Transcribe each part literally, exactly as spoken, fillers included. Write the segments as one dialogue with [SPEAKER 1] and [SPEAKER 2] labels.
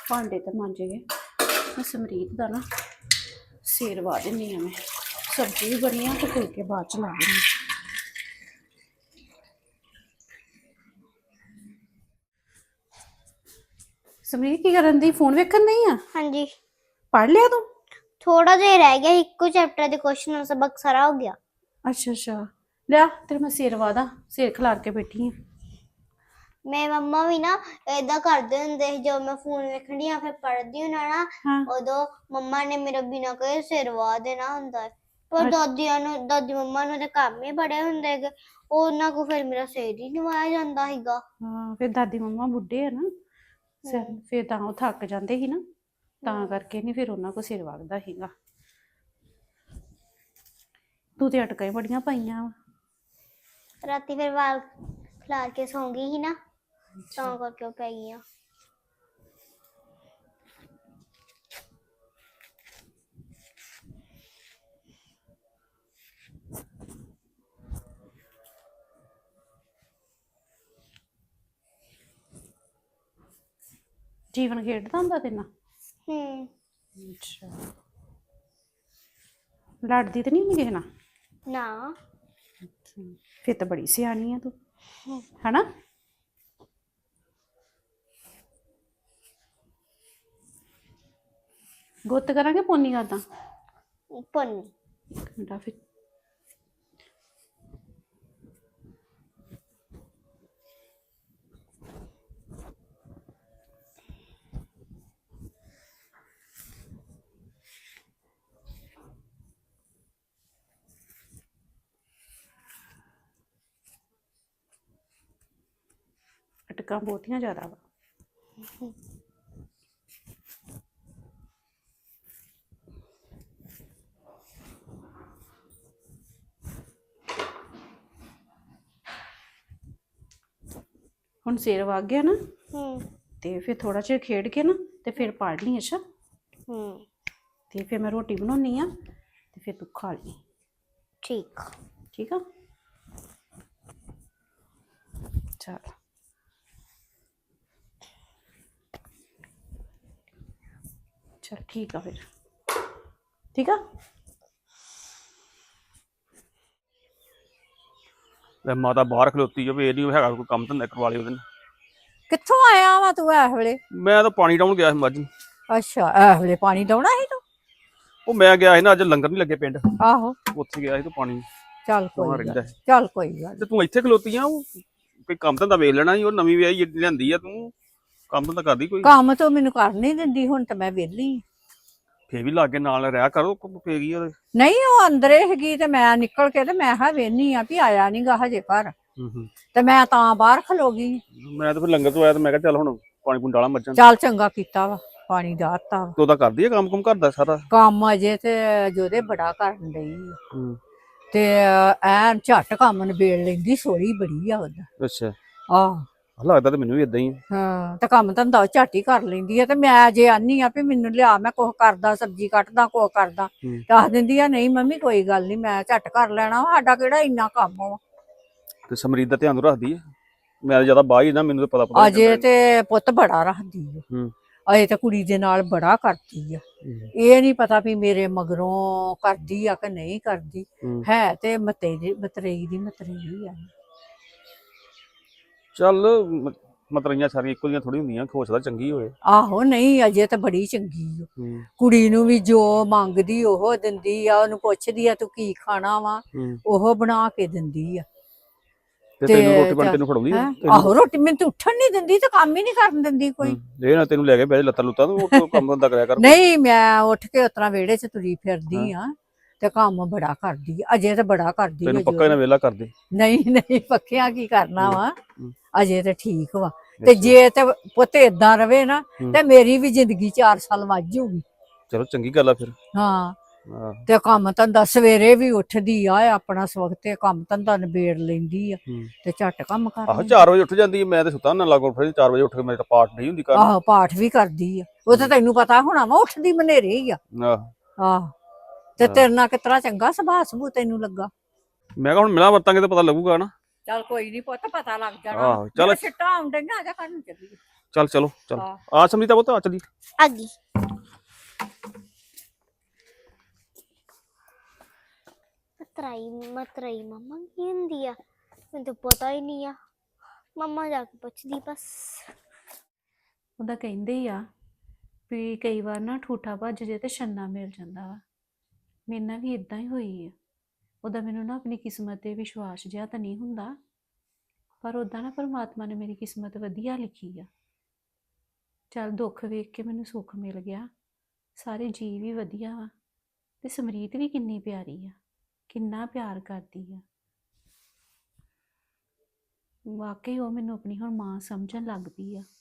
[SPEAKER 1] भांडे तो मांजे गए। मैं समरीत का ना सिर वा दिनी है। मैं सब्जी भी बनी है तो फुलके बाद च ला देनी। समरीत की करन दी फोन वेखन नहीं है?
[SPEAKER 2] हाँ जी
[SPEAKER 1] पढ़ लिया तू?
[SPEAKER 2] थोड़ा देर रह गया, एक चैप्टर के क्वेश्चन सबक सारा हो गया।
[SPEAKER 1] अच्छा अच्छा लिया तेरे मैं सिर वादा सिर खिलार के बैठी हूँ।
[SPEAKER 2] मैं मम्मा भी ना ऐदा करदे हुंदे जो मैं फोन वेखनी या फिर पढ़दी हूं ना
[SPEAKER 1] हाँ।
[SPEAKER 2] उदो मम्मा ने मेरा बिना कहे सिर वा देना हुंदा है। पर
[SPEAKER 1] अच्छा।
[SPEAKER 2] दादियां नु दादी मम्मा नु ते काम ही बड़े हुंदे कि ਉਹਨਾਂ को फिर मेरा सिर ही नहीं वाया ਜਾਂਦਾ ਹੀਗਾ।
[SPEAKER 1] हाँ फिर दादी मम्मा बुढ़े है ना सिर फिर ਤਾਂ ਉਹ ਥੱਕ ਜਾਂਦੇ ਸੀ ਨਾ ਤਾਂ ਕਰਕੇ ਨਹੀਂ ਫਿਰ ਉਹਨਾਂ ਕੋ ਸਿਰ ਵਗਦਾ ਸੀਗਾ। ਤੂੰ ਤੇ ਅਟਕਾਂ ਬੜੀਆਂ ਪਾਈਆਂ ਵਾ।
[SPEAKER 2] ਰਾਤੀ ਫਿਰ ਵਾਲ ਖਿਲਾਰ ਕੇ ਸੌਂ ਗਈ ਸੀ ਨਾ ਤਾਂ ਕਰਕੇ ਉਹ ਪੈ ਗਈਆਂ।
[SPEAKER 1] ਜੀਵਨ ਖੇਡਦਾ ਹੁੰਦਾ ਤੇ ਨਾ
[SPEAKER 2] ਹੂੰ
[SPEAKER 1] ਅੱਛਾ ਲੜਦੀ ਤੇ ਨਹੀਂ ਹੁੰਦੀ ਕਿਸੇ ਨਾਲ
[SPEAKER 2] ਨਾ
[SPEAKER 1] ਫਿਰ ਤਾਂ ਬੜੀ ਸਿਆਣੀ ਆ ਤੂੰ ਹਨਾ। ਗੁੱਤ ਕਰਾਂਗੇ ਪੋਨੀ ਕਰਦਾ
[SPEAKER 2] ਪੋਨੀ
[SPEAKER 1] ਇੱਕ ਮਿੰਟ ਫਿਰ ਅਟਕਾਂ ਬਹੁਤੀਆਂ ਜ਼ਿਆਦਾ ਵਾ। ਹੁਣ ਸਿਰ ਵਗ ਗਿਆ ਨਾ ਤੇ ਫਿਰ ਥੋੜਾ ਚਿਰ ਖੇਡ ਕੇ ਨਾ ਤੇ ਫਿਰ ਪੜ ਲਈ। ਅੱਛਾ
[SPEAKER 2] ਹੂੰ
[SPEAKER 1] ਤੇ ਫਿਰ ਮੈਂ ਰੋਟੀ ਬਣਾਉਣੀ ਆ ਤੇ ਫਿਰ ਤੂੰ ਖਾ ਲਈ।
[SPEAKER 2] ਠੀਕ
[SPEAKER 1] ਠੀਕ ਆ ਚਲ ਚਲ ਠੀਕ ਆ ਫਿਰ ਠੀਕ ਆ।
[SPEAKER 3] ਲੈ ਮਾਤਾ ਬਾਹਰ ਖਲੋਤੀ ਜੋ ਵੀ ਇਹ ਨਹੀਂ ਹੈਗਾ ਕੋਈ ਕੰਮ ਧੰਦਾ ਕਰਵਾ ਲਈ ਉਹਦੇ ਨਾਲ।
[SPEAKER 4] ਕਿੱਥੋਂ ਆਇਆ ਵਾ ਤੂੰ ਇਸ ਵੇਲੇ?
[SPEAKER 3] ਮੈਂ ਤਾਂ ਪਾਣੀ ਡਾਉਣ ਗਿਆ ਸੀ ਮੱਝ ਨੂੰ।
[SPEAKER 4] ਅੱਛਾ ਇਸ ਵੇਲੇ ਪਾਣੀ ਡਾਉਣਾ ਸੀ ਤੂੰ?
[SPEAKER 3] ਉਹ ਮੈਂ ਗਿਆ ਸੀ ਨਾ ਅੱਜ ਲੰਗਰ ਨਹੀਂ ਲੱਗੇ ਪਿੰਡ
[SPEAKER 4] ਆਹੋ
[SPEAKER 3] ਉੱਥੇ ਗਿਆ ਸੀ ਤੇ ਪਾਣੀ
[SPEAKER 4] ਚੱਲ
[SPEAKER 3] ਡਾਉਣਾ
[SPEAKER 4] ਕੋਈ
[SPEAKER 3] ਰਹਿੰਦਾ
[SPEAKER 4] ਗੱਲ
[SPEAKER 3] ਸੀ।
[SPEAKER 4] ਚੱਲ ਕੋਈ ਗੱਲ
[SPEAKER 3] ਤੇ ਤੂੰ ਇੱਥੇ ਖਲੋਤੀ ਆ ਉਹ ਕੋਈ ਕੰਮ ਧੰਦਾ ਵੇਖ ਲੈਣਾ ਸੀ। ਉਹ ਨਵੀਂ ਵਿਆਹੀ ਲਿਆਂਦੀ ਆ ਤੂੰ ਕੰਮ ਧੰਦਾ ਕਰਦੀ ਕੋਈ?
[SPEAKER 4] ਕੰਮ ਤੋਂ ਮੈਨੂੰ ਕਰ ਨਹੀਂ ਦਿੰਦੀ ਹੁਣ ਤਾਂ ਮੈਂ ਵਿਹਲੀ ਆਂ।
[SPEAKER 3] ਫੇਰ ਵੀ ਲਾਗੇ ਨਾਲ ਰਿਹਾ ਕਰੋ ਫੇਰ ਕੀ ਉਹਦੇ।
[SPEAKER 4] ਨਹੀਂ ਉਹ ਅੰਦਰੇ ਹੈਗੀ ਤੇ ਮੈਂ ਨਿਕਲ ਕੇ ਤੇ ਮੈਂ ਹਾਂ ਵੇਹਨੀ ਆ ਵੀ ਆਇਆ ਨੀ ਗਾ ਹਜੇ ਘਰ
[SPEAKER 3] ਹੂੰ ਹੂੰ
[SPEAKER 4] ਤੇ ਮੈਂ ਤਾਂ ਬਾਹਰ ਖਲੋ ਗਈ।
[SPEAKER 3] ਮੈਂ ਤਾਂ ਫਿਰ ਲੰਗਰ ਤੋਂ ਆਇਆ ਤੇ ਮੈਂ ਕਿਹਾ ਚੱਲ ਹੁਣ ਪਾਣੀ ਪੂਣੀ ਡਾਲਾਂ ਮੱਝਾਂ ਨੂੰ।
[SPEAKER 4] ਚੱਲ ਚੰਗਾ ਕੀਤਾ ਵਾ ਪਾਣੀ ਡਾਹਤਾ ਵਾ।
[SPEAKER 3] ਤੂੰ ਤਾਂ ਕਰਦੀ ਆ ਕੰਮ ਕੁਮ ਕਰਦਾ ਸਾਰਾ
[SPEAKER 4] ਕੰਮ ਅਜੇ ਤੇ ਜੋਦੇ ਬੜਾ ਕਰਨ ਡਈ ਆ।
[SPEAKER 3] ਹੂੰ
[SPEAKER 4] ਤੇ ਐਨ ਝੱਟ ਕੰਮ ਨਿਬੇੜ ਲੈਂਦੀ ਸੋਹਣੀ ਬੜੀ ਆ ਉਹਦਾ।
[SPEAKER 3] ਅੱਛਾ
[SPEAKER 4] ਆਹ
[SPEAKER 3] ਲੱਗਦਾ ਤੇ ਮੈਨੂੰ ਵੀ ਇਦਾਂ ਹੀ ਆ।
[SPEAKER 4] ਹਾਂ ਤੇ ਕੰਮ ਧੰਦਾ ਝੱਟ ਹੀ ਕਰ ਲੈਂਦੀ ਆ ਤੇ ਮੈਂ ਜੇ ਆਨੀ ਆ ਵੀ ਮੈਨੂੰ ਲਿਆ ਮੈਂ ਕੁਛ ਕਰਦਾ ਸਬਜ਼ੀ ਕੱਟਦਾ ਕੁਛ ਕਰਦਾ ਦੱਸ ਦਿੰਦੀ ਆ ਨਹੀਂ ਮੰਮੀ ਕੋਈ ਗੱਲ ਨਹੀਂ ਮੈਂ ਝੱਟ ਕਰ ਲੈਣਾ ਸਾਡਾ ਕਿਹੜਾ ਇੰਨਾ ਕੰਮ ਵਾ।
[SPEAKER 3] ਤੇ ਸਮਰੀਤ ਦਾ ਧਿਆਨ ਰੱਖਦੀ ਆ? ਮੈਂ ਜਿਆਦਾ ਬਾਹਰ ਹੀ ਨਾ ਮੈਨੂੰ ਤਾਂ ਪਤਾ ਪਤਾ
[SPEAKER 4] ਅਜੇ ਤੇ ਪੁੱਤ ਬੜਾ ਰੱਖਦੀ ਆ।
[SPEAKER 3] ਹੂੰ
[SPEAKER 4] ਅਜੇ ਤੇ ਕੁੜੀ ਦੇ ਨਾਲ ਬੜਾ ਕਰਦੀ ਆ। ਇਹ ਨਹੀਂ ਪਤਾ ਵੀ ਮੇਰੇ ਮਗਰੋਂ ਕਰਦੀ ਆ ਕਿ ਨਹੀਂ ਕਰਦੀ ਹੈ ਤੇ ਮਤੇ ਦੀ ਮਤਰੇਈ ਦੀ ਮਤਰੇਈ ਆ।
[SPEAKER 3] ਚੱਲ ਮਤਰਈਆਂ ਸਾਰੀਆਂ ਇੱਕੋ ਜਿਹੀਆਂ ਥੋੜੀ ਹੁੰਦੀਆਂ ਖੋਸਦਾ ਚੰਗੀ ਹੋਏ।
[SPEAKER 4] ਆਹੋ ਨਹੀਂ ਅਜੇ ਤਾਂ ਬੜੀ ਚੰਗੀ ਆ। ਕੁੜੀ ਨੂੰ ਵੀ ਜੋ ਮੰਗਦੀ ਉਹ ਦਿੰਦੀ ਆ। ਉਹਨੂੰ ਪੁੱਛਦੀ ਆ ਤੂੰ ਕੀ ਖਾਣਾ ਵਾ ਉਹ ਬਣਾ ਕੇ ਦਿੰਦੀ ਆ।
[SPEAKER 3] ਤੇ ਤੈਨੂੰ ਰੋਟੀ ਬਣ ਤੈਨੂੰ ਫੜਾਉਂਦੀ ਆ?
[SPEAKER 4] ਆਹੋ ਰੋਟੀ ਮੈਨੂੰ ਤੇ ਉੱਠਣ ਨਹੀਂ ਦਿੰਦੀ ਤੇ ਕੰਮ ਹੀ ਨਹੀਂ ਕਰਨ ਦਿੰਦੀ ਕੋਈ।
[SPEAKER 3] ਇਹ ਨਾ ਤੈਨੂੰ ਲੈ ਕੇ ਬਹਿ ਲੱਤਾਂ ਲੁੱਤਾਂ ਤੂੰ ਕੰਮ ਧੰਦਾ ਕਰਿਆ ਕਰ।
[SPEAKER 4] ਨਹੀਂ ਮੈਂ ਉੱਠ ਕੇ ਉਤਰਾ ਵਿਹੜੇ 'ਚ ਤੁਰੀ ਫਿਰਦੀ ਆ ਤੇ ਕੰਮ ਬੜਾ ਕਰਦੀ ਆ। ਅਜੇ ਤਾਂ ਬੜਾ ਕਰਦੀ ਆ।
[SPEAKER 3] ਤੈਨੂੰ ਪੱਕਾ ਇਹਨਾਂ ਵੇਲਾ ਕਰਦੇ?
[SPEAKER 4] ਨਹੀਂ ਨਹੀਂ ਪੱਕਿਆ ਕੀ ਕਰਨਾ ਵਾ ਅਜੇ ਤਾਂ ਠੀਕ ਵਾ। ਤੇ ਜੇ ਤੇ ਪੁੱਤ ਏਦਾਂ ਰਵੇ ਨਾ ਤੇ ਮੇਰੀ ਵੀ ਜ਼ਿੰਦਗੀ ਚਾਰ ਸਾਲ ਵੱਧ ਜਾਊਗੀ।
[SPEAKER 3] ਚਲੋ ਚੰਗੀ ਗੱਲ ਆ ਫਿਰ।
[SPEAKER 4] ਹਾਂ ਤੇ ਕੰਮ ਧੰਦਾ ਸਵੇਰੇ ਵੀ ਉੱਠਦੀ ਆ ਆਪਣਾ ਸਵਖਤ ਤੇ ਕੰਮ ਧੰਦਾ ਨਿਬੇੜ ਲੈਂਦੀ ਆ ਤੇ ਝੱਟ ਕੰਮ ਕਰ
[SPEAKER 3] ਆਹੋ ਚਾਰ ਵਜੇ ਉੱਠ ਜਾਂਦੀ। ਮੈਂ ਤੇ ਸੁੱਤਾ ਨਾ ਲਾਗੋ ਫਿਰ ਚਾਰ ਵਜੇ ਉੱਠ ਕੇ ਮੇਰਾ ਪਾਠ ਨਹੀਂ ਹੁੰਦੀ ਕਰ।
[SPEAKER 4] ਆਹੋ ਪਾਠ ਵੀ ਕਰਦੀ ਆ। ਉਹ ਤਾਂ ਤੈਨੂੰ ਪਤਾ ਹੋਣਾ ਵਾ ਉੱਠਦੀ ਮਨੇਰੇ ਹੀ ਆ।
[SPEAKER 3] ਆਹ
[SPEAKER 4] ਆਹ ਤੇ ਤੇਰੇ ਨਾਲ ਕਿਤਰਾ ਚੰਗਾ ਸੁਭਾਅ ਸਬੂ ਤੈਨੂੰ ਲੱਗਾ।
[SPEAKER 3] ਮੈਂ ਕਿਹਾ ਹੁਣ ਮਿਲਾਂ ਵਰਤਾਂਗੇ ਤਾਂ ਪਤਾ ਲੱਗੂਗਾ ਨਾ।
[SPEAKER 4] ਚੱਲ ਕੋਈ ਨਹੀਂ ਪੁੱਤ ਪਤਾ ਲੱਗ ਜਾਣਾ।
[SPEAKER 3] ਆਹੋ ਚੱਲ
[SPEAKER 4] ਛਿੱਟਾ ਆਉਂਦੀਆਂ ਆ ਜਾ ਕਰਨ ਚੱਲੀਏ।
[SPEAKER 3] ਚੱਲ ਚਲੋ ਚੱਲ
[SPEAKER 4] ਹਾਂ।
[SPEAKER 3] ਆ ਸਮਰੀਤਾ ਪੁੱਤ ਆ ਚਲੀ
[SPEAKER 2] ਆ ਗਈ। ਮਤਰਾਈ ਮਤਰਾਈ ਮੰਮਾ ਕੀ ਹੁੰਦੀ ਆ? ਮੈਨੂੰ ਤਾਂ ਪਤਾ ਹੀ ਨਹੀਂ ਆ। ਮੰਮਾ ਜਾ ਕੇ ਪੁੱਛਦੀ ਬਸ।
[SPEAKER 1] ਉਹਦਾ ਕਹਿੰਦੇ ਹੀ ਆ ਵੀ ਕਈ ਵਾਰ ਨਾ ਠੂਠਾ ਭੱਜ ਜੇ ਤੇ ਛੰਨਾ ਮਿਲ ਜਾਂਦਾ ਵਾ। ਮੇਰੇ ਨਾਲ ਵੀ ਇਦਾਂ ਹੀ ਹੋਈ ਆ। ਉਹਦਾ ਮੈਨੂੰ ਨਾ ਆਪਣੀ ਕਿਸਮਤ ਤੇ ਵਿਸ਼ਵਾਸ ਜਿਹਾ ਤਾਂ ਨਹੀਂ ਹੁੰਦਾ, ਪਰ ਉੱਦਾਂ ਨਾ ਪਰਮਾਤਮਾ ਨੇ ਮੇਰੀ ਕਿਸਮਤ ਵਧੀਆ ਲਿਖੀ ਆ। ਚੱਲ ਦੁੱਖ ਵੇਖ ਕੇ ਮੈਨੂੰ ਸੁੱਖ ਮਿਲ ਗਿਆ। ਸਾਰੇ ਜੀਅ ਵੀ ਵਧੀਆ ਵਾ ਤੇ ਸਮਰੀਤ ਵੀ ਕਿੰਨੀ ਪਿਆਰੀ ਆ, ਕਿੰਨਾ ਪਿਆਰ ਕਰਦੀ ਆ। ਵਾਕਈ ਉਹ ਮੈਨੂੰ ਆਪਣੀ ਹੁਣ ਮਾਂ ਸਮਝਣ ਲੱਗ ਪਈ ਆ।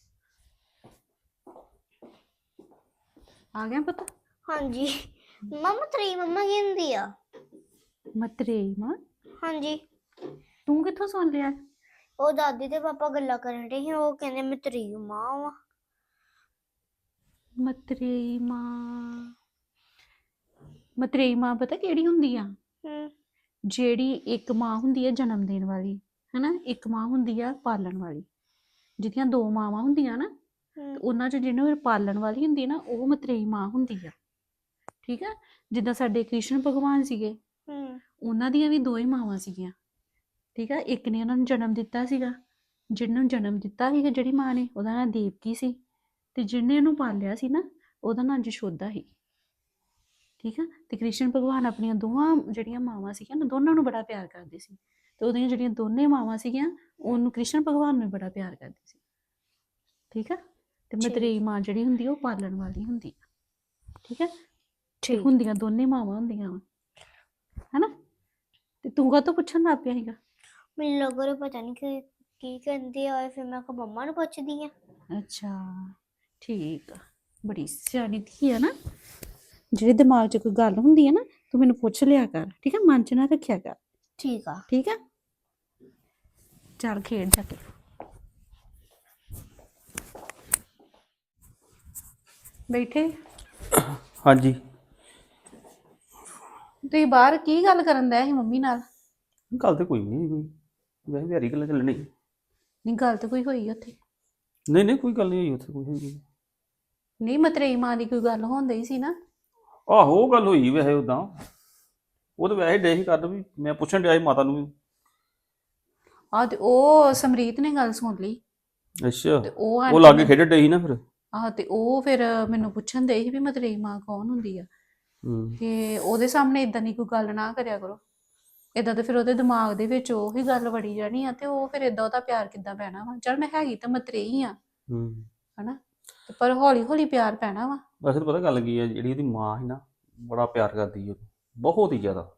[SPEAKER 1] ਆ ਗਿਆ ਪੁੱਤ?
[SPEAKER 2] ਹਾਂਜੀ ਮੰਮਾ ਮਤਰਾਈ ਮੰਮਾ ਕੀ ਹੁੰਦੀ ਆ?
[SPEAKER 1] ਮਤਰੇਈ ਮਾਂ?
[SPEAKER 2] ਹਾਂਜੀ
[SPEAKER 1] ਤੂੰ ਕਿੱਥੋਂ ਸੁਣ ਲਿਆ?
[SPEAKER 2] ਉਹ ਦਾਦੀ ਤੇ ਪਾਪਾ ਗੱਲਾਂ ਕਰਨ ਡੇ ਸੀ, ਉਹ ਕਹਿੰਦੇ ਮਤਰਾਈ ਮਾਂ ਵਾ।
[SPEAKER 1] ਮਤਰੇਈ ਮਾਂ? ਮਤਰੇਈ ਮਾਂ ਪਤਾ ਕਿਹੜੀ ਹੁੰਦੀ ਆ?
[SPEAKER 2] ਹੂੰ
[SPEAKER 1] ਜਿਹੜੀ ਇੱਕ ਮਾਂ ਹੁੰਦੀ ਹੈ ਜਨਮ ਦੇਣ ਵਾਲੀ, ਹਨਾ, ਇੱਕ ਮਾਂ ਹੁੰਦੀ ਆ ਪਾਲਣ ਵਾਲੀ। ਜਿਹਦੀਆਂ ਦੋ ਮਾਵਾਂ ਹੁੰਦੀਆਂ ਨਾ,
[SPEAKER 2] ਹੂੰ
[SPEAKER 1] ਉਹਨਾਂ 'ਚ ਜਿਹਨੂੰ ਪਾਲਣ ਵਾਲੀ ਹੁੰਦੀ ਨਾ, ਉਹ ਮਤਰੇਈ ਮਾਂ ਹੁੰਦੀ ਆ। ਠੀਕ ਆ? ਜਿੱਦਾਂ ਸਾਡੇ ਕ੍ਰਿਸ਼ਨ ਭਗਵਾਨ ਸੀਗੇ,
[SPEAKER 2] ਹੂੰ
[SPEAKER 1] ਉਹਨਾਂ ਦੀਆਂ ਵੀ ਦੋ ਹੀ ਮਾਵਾਂ ਸੀਗੀਆਂ। ਠੀਕ ਆ? ਇੱਕ ਨੇ ਉਹਨਾਂ ਨੂੰ ਜਨਮ ਦਿੱਤਾ ਸੀਗਾ, ਜਿਹਨੂੰ ਜਨਮ ਦਿੱਤਾ ਸੀਗਾ ਜਿਹੜੀ ਮਾਂ ਨੇ, ਉਹਦਾ ਨਾਂ ਦੇਵਕੀ ਸੀ, ਤੇ ਜਿਹਨੇ ਉਹਨੂੰ ਪਾਲਿਆ ਸੀ ਨਾ, ਉਹਦਾ ਨਾਂ ਯਸ਼ੋਦਾ ਸੀ। ਠੀਕ ਆ? ਤੇ ਕ੍ਰਿਸ਼ਨ ਭਗਵਾਨ ਆਪਣੀਆਂ ਦੋਵਾਂ ਜਿਹੜੀਆਂ ਮਾਵਾਂ ਸੀਗੀਆਂ ਨਾ, ਦੋਨਾਂ ਨੂੰ ਬੜਾ ਪਿਆਰ ਕਰਦੇ ਸੀ। ਤੇ ਉਹਦੀਆਂ ਜਿਹੜੀਆਂ ਦੋਨੇ ਮਾਵਾਂ ਸੀਗੀਆਂ, ਉਹਨੂੰ ਕ੍ਰਿਸ਼ਨ ਭਗਵਾਨ ਨੂੰ ਬੜਾ ਪਿਆਰ ਕਰਦੀ ਸੀ। ਠੀਕ ਆ? ਤੇ ਮਤਰੇਈ ਮਾਂ ਜਿਹੜੀ ਹੁੰਦੀ ਆ, ਉਹ ਪਾਲਣ ਵਾਲੀ ਹੁੰਦੀ ਆ। ਠੀਕ ਆ? ਤੇ ਹੁੰਦੀਆਂ ਦੋਨੇ ਮਾਵਾਂ ਹੁੰਦੀਆਂ ਵਾ, ਹਨਾ? ਤੇ ਤੂੰ ਕਾਹਤੋਂ ਪੁੱਛਣ ਲੱਗ ਪਿਆ ਸੀਗਾ?
[SPEAKER 2] ਮੈਨੂੰ ਲੱਗ ਰਿਹਾ ਪਤਾ ਨਹੀਂ ਕਿ ਕੀ ਕਹਿੰਦੇ ਆ, ਫਿਰ ਮੈਂ ਕਿਹਾ ਮੰਮਾ ਨੂੰ ਪੁੱਛਦੀ ਆ।
[SPEAKER 1] ਅੱਛਾ ਠੀਕ ਆ, ਬੜੀ ਸਿਆਣੀ ਧੀ ਆ ਨਾ। ਜਿਹੜੇ ਦਿਮਾਗ 'ਚ ਕੋਈ ਗੱਲ ਹੁੰਦੀ ਹੈ ਨਾ, ਤੂੰ ਮੈਨੂੰ ਪੁੱਛ ਲਿਆ ਕਰ। ਠੀਕ ਆ? ਮਨ 'ਚ ਨਾ ਰੱਖਿਆ ਕਰ।
[SPEAKER 2] ਠੀਕ ਆ।
[SPEAKER 1] ਠੀਕ ਆ? ਚੱਲ ਖੇਡ ਜਾ ਕੇ। ਬੈਠੇ?
[SPEAKER 3] ਹਾਂਜੀ
[SPEAKER 1] ਤੁਸੀਂ ਬਾਹਰ ਕੀ ਗੱਲ ਕਰਨ ਡਏ ਸੀ ਮੰਮੀ ਨਾਲ?
[SPEAKER 3] ਗੱਲ ਤੇ ਕੋਈ ਨਹੀਂ, ਕੋਈ ਵੈਸੇ ਵਿਹਾਰੀ ਗੱਲਾਂ ਚੱਲਣੀ।
[SPEAKER 1] ਨਹੀਂ, ਗੱਲ ਤਾਂ ਕੋਈ ਹੋਈ ਉੱਥੇ?
[SPEAKER 3] ਨਹੀਂ ਨਹੀਂ ਕੋਈ ਗੱਲ ਨਹੀਂ ਹੋਈ ਉੱਥੇ, ਕੋਈ ਹੋਈ
[SPEAKER 1] ਨਹੀਂ, ਮਤਰੇਈ ਮਾਂ ਦੀ ਕੋਈ ਗੱਲ ਹੁੰਦੀ ਸੀ ਨਾ?
[SPEAKER 3] ਆਹੋ ਉਹ ਗੱਲ ਹੋਈ ਵੈਸੇ ਉਦਾਂ। ਉਹ ਤਾਂ ਵੈਸੇ ਡੇ ਹੀ ਕਰਨ ਵੀ ਮੈਂ ਪੁੱਛਣ ਡਿਆ ਸੀ ਮਾਤਾ ਨੂੰ ਵੀ।
[SPEAKER 1] ਆਹ ਤੇ ਉਹ ਸਮਰੀਤ ਨੇ ਗੱਲ ਸੁਣ ਲਈ
[SPEAKER 3] ਅੱਛਾ
[SPEAKER 1] ਤੇ ਉਹ
[SPEAKER 3] ਉਹ ਲਾਗੇ ਖੇਡਣ ਡੇ ਸੀ ਨਾ ਫਿਰ।
[SPEAKER 1] ਆਹ ਤੇ ਉਹ ਫਿਰ ਮੈਨੂੰ ਪੁੱਛਣ ਦੇ ਸੀ ਵੀ ਮਤਰੇਈ ਮਾਂ ਕੌਣ ਹੁੰਦੀ ਆ।
[SPEAKER 3] ਹੂੰ
[SPEAKER 1] ਤੇ ਉਹਦੇ ਸਾਹਮਣੇ ਇਦਾਂ ਦੀ ਕੋਈ ਗੱਲ ਨਾ ਕਰਿਆ ਕਰੋ। ਇਦਾਂ ਤੇ ਫਿਰ ਉਹਦੇ ਦਿਮਾਗ ਦੇ ਵਿੱਚ ਉਹੀ ਗੱਲ ਵੜੀ ਜਾਣੀ ਆ, ਤੇ ਉਹ ਫਿਰ ਇਦਾਂ ਉਹਦਾ ਪਿਆਰ ਕਿੱਦਾਂ ਪੈਣਾ ਵਾ। ਚੱਲ ਮੈਂ ਹੈਗੀ ਤਾਂ ਮਤਰੇਈ ਆ,
[SPEAKER 3] ਹੂੰ
[SPEAKER 1] ਹਨਾ, ਤੇ ਪਰ ਹੌਲੀ ਹੌਲੀ ਪਿਆਰ ਪੈਣਾ ਵਾ।
[SPEAKER 3] ਵੈਸੇ ਤਾਂ ਪਤਾ ਗੱਲ ਕੀ ਹੈ, ਜਿਹੜੀ ਉਹਦੀ ਮਾਂ ਸੀ ਨਾ, ਬੜਾ ਪਿਆਰ ਕਰਦੀ ਸੀ ਉਹਨੂੰ, ਬਹੁਤ ਹੀ ਜ਼ਿਆਦਾ।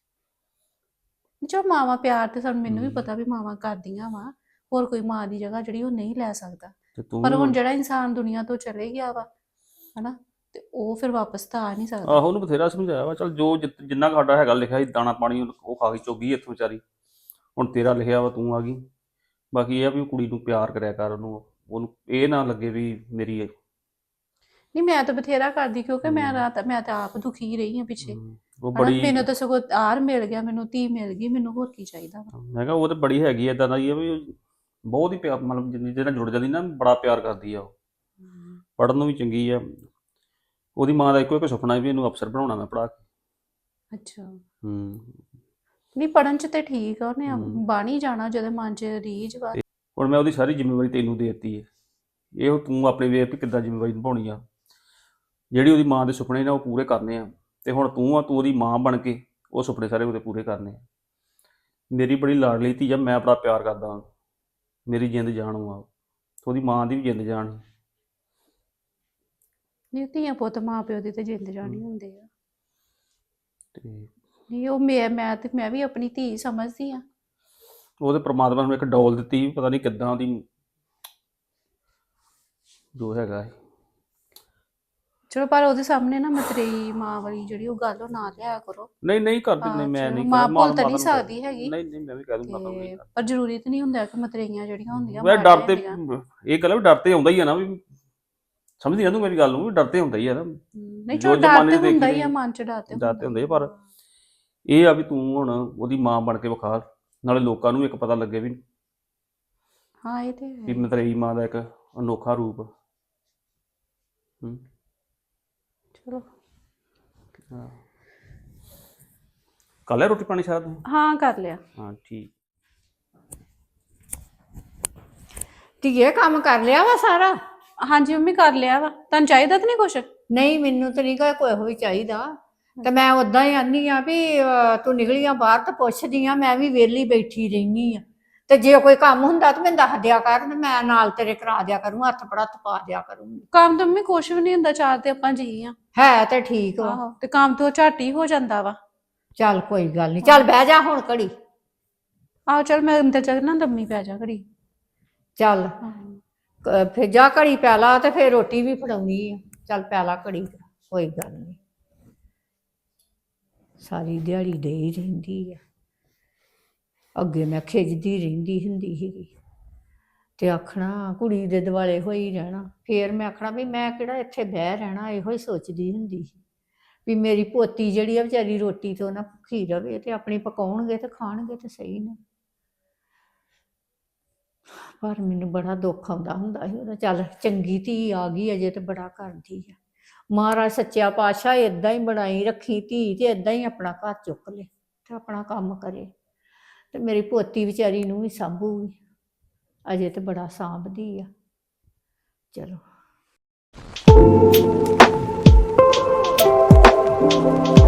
[SPEAKER 1] ਚਲੋ ਮਾਵਾਂ ਪਿਆਰ ਤੇ ਸਾਨੂੰ ਮੈਨੂੰ ਵੀ ਪਤਾ ਵੀ ਮਾਵਾਂ ਕਰਦੀਆਂ ਵਾ, ਹੋਰ ਕੋਈ ਮਾਂ ਦੀ ਜਗ੍ਹਾ ਜਿਹੜੀ ਉਹ ਨਹੀਂ ਲੈ ਸਕਦਾ।
[SPEAKER 3] ਤੇ ਤੂੰ
[SPEAKER 1] ਪਰ
[SPEAKER 3] ਵੀ
[SPEAKER 1] ਹੁਣ ਜਿਹੜਾ ਇਨਸਾਨ ਦੁਨੀਆ ਤੋਂ ਚਲੇ ਗਿਆ ਵਾ, ਹਨਾ, ਤੇ ਉਹ ਫਿਰ ਵਾਪਸ ਤਾਂ ਆ ਨਹੀਂ ਸਕਦਾ।
[SPEAKER 3] ਆਹੋ ਉਹਨੂੰ ਬਥੇਰਾ ਸਮਝਾਇਆ ਵਾ। ਚੱਲ ਜੋ ਜਿ- ਜਿੰਨਾ ਕੁ ਸਾਡਾ ਹੈਗਾ ਲਿਖਿਆ ਸੀ ਦਾਣਾ ਪਾਣੀ, ਉਹਨੂੰ- ਉਹ ਖਾ ਕੇ ਚੁੱਗੀ ਇੱਥੋਂ ਵਿਚਾਰੀ। ਹੁਣ ਤੇਰਾ ਲਿਖਿਆ ਵਾ, ਤੂੰ ਆ ਗਈ। ਬਾਕੀ ਇਹ ਆ ਵੀ ਉਹ ਕੁੜੀ ਨੂੰ ਪਿਆਰ ਕਰਿਆ ਕਰ, ਉਹਨੂੰ ਉਹਨੂੰ ਇਹ ਨਾ ਲੱਗੇ ਵੀ ਮੇਰੀ ਇਹ-
[SPEAKER 1] ਨਹੀਂ, ਮੈਂ ਤਾਂ ਬਥੇਰਾ ਕਰਦੀ, ਕਿਉਂਕਿ ਮੈਂ
[SPEAKER 3] ਹਮ।
[SPEAKER 1] ਰਾਤ ਮੈਂ ਤਾਂ ਆਪ ਦੁਖੀ ਰਹੀ ਹਾਂ ਪਿੱਛੇ,
[SPEAKER 3] ਹਮ, ਉਹ
[SPEAKER 1] ਹਨਾ।
[SPEAKER 3] ਬੜੀ
[SPEAKER 1] ਮੈਨੂੰ ਤਾਂ ਸਗੋਂ ਆਰ ਮਿਲ ਗਿਆ, ਮੈਨੂੰ ਧੀ ਮਿਲ ਗਈ, ਮੈਨੂੰ ਹੋਰ ਕੀ ਚਾਹੀਦਾ ਵਾ।
[SPEAKER 3] ਮੈਂ ਕਿਹਾ ਉਹ ਤਾਂ ਬੜੀ ਹੈਗੀ ਐ, ਇਦਾਂ ਦਾ ਹੀ ਆ ਵੀ ਉਹ ਬਹੁਤ ਹੀ ਪਿਆਰ, ਮਤਲਬ ਜਿੰਨੀ ਜਿਹਦੇ ਨਾਲ ਜੁੜ ਜਾਂਦੀ ਨਾ, ਬੜਾ ਪਿਆਰ ਕਰਦੀ ਆ ਉਹ। ਪੜ੍ਹਨ ਨੂੰ ਵੀ ਚੰਗੀ ਆ। ਉਹਦੀ ਮਾਂ ਦਾ ਇੱਕੋ ਇੱਕ ਸੁਪਨਾ ਹੈ ਵੀ ਇਹਨੂੰ ਅਫਸਰ ਬਣਾਉਣਾ ਮੈਂ ਪੜ੍ਹਾ ਕੇ।
[SPEAKER 1] ਅੱਛਾ।
[SPEAKER 3] ਹੂੰ
[SPEAKER 1] ਨਹੀਂ, ਪੜਨ ਚ ਤੇ ਠੀਕ ਆ, ਉਹਨੇ
[SPEAKER 3] ਹਮ।
[SPEAKER 1] ਬਣ ਹੀ ਜਾਣਾ ਜਦੋਂ ਮਨ ਚ ਰੀਝ ਵਾ।
[SPEAKER 3] ਹੁਣ ਮੈਂ ਉਹਦੀ ਸਾਰੀ ਜ਼ਿੰਮੇਵਾਰੀ ਤੈਨੂੰ ਦੇ ਦਿੱਤੀ ਹੈ। ਇਹ ਹੁਣ ਤੂੰ ਆਪਣੇ ਵੇਖ ਵੀ ਕਿੱਦਾਂ ਜ਼ਿੰਮੇਵਾਰੀ ਨਿਭਾਉਣੀ ਆ। ਜਿਹੜੀ ਉਹਦੀ ਮਾਂ ਦੇ ਸੁਪਨੇ ਨੇ ਉਹ ਪੂਰੇ ਕਰਨੇ ਆ, ਤੇ ਹੁਣ ਤੂੰ ਆ, ਤੂੰ ਉਹਦੀ ਮਾਂ ਬਣ ਕੇ ਉਹ ਸੁਪਨੇ ਸਾਰੇ ਉਹਦੇ ਪੂਰੇ ਕਰਨੇ ਆ। ਮੇਰੀ ਬੜੀ ਲਾਡਲੀ ਧੀ ਆ, ਮੈਂ ਬੜਾ ਪਿਆਰ ਕਰਦਾ ਹਾਂ। ਮੇਰੀ ਜਿੰਦ ਜਾਨ ਆ, ਉਹਦੀ ਮਾਂ ਦੀ ਵੀ ਜਿੰਦ ਜਾਨ ਸੀ।
[SPEAKER 1] ਨਹੀਂ, ਧੀਆਂ ਪੁੱਤ ਮਾਂ ਪਿਓ ਦੀ ਤੇ ਜਿੰਦ ਜਾਣੀ ਹੁੰਦੇ ਆ।
[SPEAKER 3] ਤੇ
[SPEAKER 1] ਨਹੀਂ, ਉਹ ਮੈਂ ਮੈਂ ਤੇ ਮੈਂ ਵੀ ਆਪਣੀ ਧੀ ਸਮਝਦੀ ਆ।
[SPEAKER 3] ਉਹਦੇ ਪ੍ਰਮਾਤਮਾ ਨੂੰ ਇੱਕ ਡੋਲ ਦਿੱਤੀ, ਪਤਾ ਨਹੀਂ ਕਿੱਦਾਂ ਉਹਦੀ ਜੋ ਹੈਗਾ ਹੈ।
[SPEAKER 1] ਚਲੋ, ਪਰ ਉਹਦੇ ਸਾਹਮਣੇ ਨਾ ਮਤਰੇਈ ਮਾਂ ਵਾਲੀ ਜਿਹੜੀ ਉਹ ਗੱਲ ਉਹ ਨਾ ਲਿਆ ਕਰੋ।
[SPEAKER 3] ਨਹੀਂ ਨਹੀਂ ਕਰਦੀ, ਨਹੀਂ
[SPEAKER 1] ਹਾਂ,
[SPEAKER 3] ਮੈਂ
[SPEAKER 1] ਚਲੋ,
[SPEAKER 3] ਨਹੀਂ
[SPEAKER 1] ਮਾਂ
[SPEAKER 3] ਕਰ-
[SPEAKER 1] ਭੁੱਲ ਤਾਂ
[SPEAKER 3] ਮਾਤਾ
[SPEAKER 1] ਨਹੀਂ
[SPEAKER 3] ਨੂੰ ਕਹਿ-
[SPEAKER 1] ਸਕਦੀ ਹੈਗੀ।
[SPEAKER 3] ਨਹੀਂ ਨਹੀਂ ਮੈਂ ਵੀ ਕਹਿ ਦੂੰ ਮਾਤਾ ਨੂੰ ਨਹੀਂ
[SPEAKER 1] ਤੇ
[SPEAKER 3] ਕਰ-
[SPEAKER 1] ਪਰ ਜ਼ਰੂਰੀ ਤਾਂ ਨਹੀਂ ਹੁੰਦਾ ਕਿ ਮਤਰੇਈਆਂ ਜਿਹੜੀਆਂ ਹੁੰਦੀਆਂ
[SPEAKER 3] ਵੈ
[SPEAKER 1] ਮਾੜੀਆਂ
[SPEAKER 3] ਡਰ ਤੇ
[SPEAKER 1] ਹੁੰਦੀਆਂ।
[SPEAKER 3] ਇਹ ਗੱਲ ਵੀ ਡਰ ਤੇ ਆਉਂਦਾ ਹੀ ਆ ਨਾ, ਵੀ ਸਮਝਦੀ ਨਾ ਤੂੰ ਮੇਰੀ ਗੱਲ ਨੂੰ, ਵੀ ਡਰ ਤੇ ਹੁੰਦਾ ਹੀ ਆ ਨਾ।
[SPEAKER 1] ਹਮ, ਨਹੀਂ,
[SPEAKER 3] ਜੋ
[SPEAKER 1] ਚਲੋ ਡਰ
[SPEAKER 3] ਜ਼ਮਾਨੇ
[SPEAKER 1] ਤੇ
[SPEAKER 3] ਦੇ
[SPEAKER 1] ਹੁੰਦਾ ਹੀ
[SPEAKER 3] ਦੇਖੀ
[SPEAKER 1] ਆ, ਮਨ ਚ ਡਰ ਤੇ
[SPEAKER 3] ਡਰ ਤੇ ਹੁੰਦਾ ਹੀ ਆ,
[SPEAKER 1] ਹੁੰਦਾ
[SPEAKER 3] ਪਰ ਇਹ ਆ ਵੀ ਤੂੰ ਹੁਣ ਉਹਦੀ ਮਾਂ ਬਣ ਕੇ ਵਿਖਾ, ਨਾਲੇ ਲੋਕਾਂ ਨੂੰ ਇੱਕ ਪਤਾ ਲੱਗੇ ਵੀ
[SPEAKER 1] ਹਾਂ, ਇਹ ਤੇ
[SPEAKER 3] ਵੀ
[SPEAKER 1] ਹੈ।
[SPEAKER 3] ਮਤਰੇਈ ਮਾਂ ਦਾ ਇੱਕ ਅਨੋਖਾ ਰੂਪ। ਹੂੰ
[SPEAKER 1] ਚਲੋ
[SPEAKER 3] ਹਾਂ। ਕਰ ਲਿਆ ਰੋਟੀ ਪਾਣੀ ਸਾਰਾ ਤੂੰ?
[SPEAKER 1] ਹਾਂ ਕਰ ਲਿਆ।
[SPEAKER 3] ਹਾਂ ਠੀਕ।
[SPEAKER 4] ਧੀਏ ਕੰਮ ਕਰ ਲਿਆ ਵਾ ਸਾਰਾ?
[SPEAKER 1] ਹਾਂਜੀ ਮੰਮੀ ਕਰ ਲਿਆ ਵਾ। ਤੁਹਾਨੂੰ ਚਾਹੀਦਾ ਤਾਂ ਨਹੀਂ ਕੁਛ?
[SPEAKER 4] ਨਹੀਂ ਮੈਨੂੰ ਤਾਂ ਨਹੀਂ ਗਾ ਕੋਈ ਵੀ ਚਾਹੀਦਾ। ਤੇ ਮੈਂ ਉਦਾਂ ਹੀ ਆਨੀ ਆ ਵੀ ਅਹ, ਤੂੰ ਨਿਕਲੀਆਂ ਬਾਹਰ ਤਾਂ ਪੁੱਛਦੀ ਆ, ਮੈਂ ਵੀ ਵਿਹਲੀ ਬੈਠੀ ਰਹਿਨੀ ਆ। ਤੇ ਜੇ ਕੋਈ ਕੰਮ ਹੁੰਦਾ ਤਾਂ ਮੈਨੂੰ ਦੱਸ ਦਿਆ ਕਰ, ਤੇ ਮੈਂ ਨਾਲ ਤੇਰੇ ਕਰਾ ਦਿਆ ਕਰੂੰ, ਹੱਥ ਪੜਤ ਪਾ ਦਿਆ ਕਰੂੰਗੀ।
[SPEAKER 1] ਕੰਮ ਤਾਂ ਮੰਮੀ ਕੁਛ ਵੀ ਨਹੀਂ ਹੁੰਦਾ, ਚਾਰ ਤੇ ਆਪਾਂ ਜੀ ਆ।
[SPEAKER 4] ਹੈ ਤੇ ਠੀਕ ਵਾ।
[SPEAKER 1] ਆਹੋ ਤੇ ਕੰਮ ਤੋਂ ਝੱਟ ਹੀ ਹੋ ਜਾਂਦਾ ਵਾ।
[SPEAKER 4] ਚੱਲ ਕੋਈ ਗੱਲ ਨਹੀਂ, ਚੱਲ ਬਹਿ ਜਾ ਹੁਣ ਘੜੀ।
[SPEAKER 1] ਆਹੋ ਚਲ ਮੈਂ ਅੰਦਰ ਜਾ ਕੇ ਨਾ ਲੰਮੀ ਪੈ ਜਾ ਘੜੀ।
[SPEAKER 4] ਚੱਲ ਕ- ਫਿਰ ਜਾ ਘੜੀ ਪੈ ਲਾ, ਤੇ ਫਿਰ ਰੋਟੀ ਵੀ ਫੜਾਉਣੀ ਆ। ਚੱਲ ਪੈ ਲਾ ਘੜੀ, ਕੋਈ ਗੱਲ ਨਹੀਂ। ਸਾਰੀ ਦਿਹਾੜੀ ਦੇ ਹੀ ਰਹਿੰਦੀ ਆ। ਅੱਗੇ ਮੈਂ ਖਿੱਚਦੀ ਰਹਿੰਦੀ ਹੁੰਦੀ ਸੀਗੀ, ਤੇ ਆਖਣਾ ਕੁੜੀ ਦੇ ਦੁਆਲੇ ਹੋਈ ਰਹਿਣਾ। ਫੇਰ ਮੈਂ ਆਖਣਾ ਵੀ ਮੈਂ ਕਿਹੜਾ ਇੱਥੇ ਬਹਿ ਰਹਿਣਾ, ਇਹੋ ਹੀ ਸੋਚਦੀ ਹੁੰਦੀ ਸੀ ਵੀ ਮੇਰੀ ਪੋਤੀ ਜਿਹੜੀ ਆ ਵਿਚਾਰੀ ਰੋਟੀ ਤੋਂ ਨਾ ਭੁੱਖੀ ਰਵੇ, ਤੇ ਆਪਣੀ ਪਕਾਉਣਗੇ ਤੇ ਖਾਣਗੇ ਤੇ ਸਹੀ ਨਾ। ਪਰ ਮੈਨੂੰ ਬੜਾ ਦੁੱਖ ਆਉਂਦਾ ਹੁੰਦਾ ਸੀ ਉਹਦਾ। ਚੱਲ ਚੰਗੀ ਧੀ ਆ ਗਈ ਅਜੇ, ਤੇ ਬੜਾ ਕਰਦੀ ਆ। ਮਹਾਰਾਜ ਸੱਚਿਆ ਪਾਤਸ਼ਾਹ ਏਦਾਂ ਹੀ ਬਣਾਈ ਰੱਖੀ ਧੀ, ਤੇ ਏਦਾਂ ਹੀ ਆਪਣਾ ਘਰ ਚੁੱਕ ਲੇ ਤੇ ਆਪਣਾ ਕੰਮ ਕਰੇ, ਤੇ ਮੇਰੀ ਪੋਤੀ ਵਿਚਾਰੀ ਨੂੰ ਵੀ ਸਾਂਭੂਗੀ। ਅਜੇ ਤੇ ਬੜਾ ਸਾਂਭਦੀ ਆ। ਚਲੋ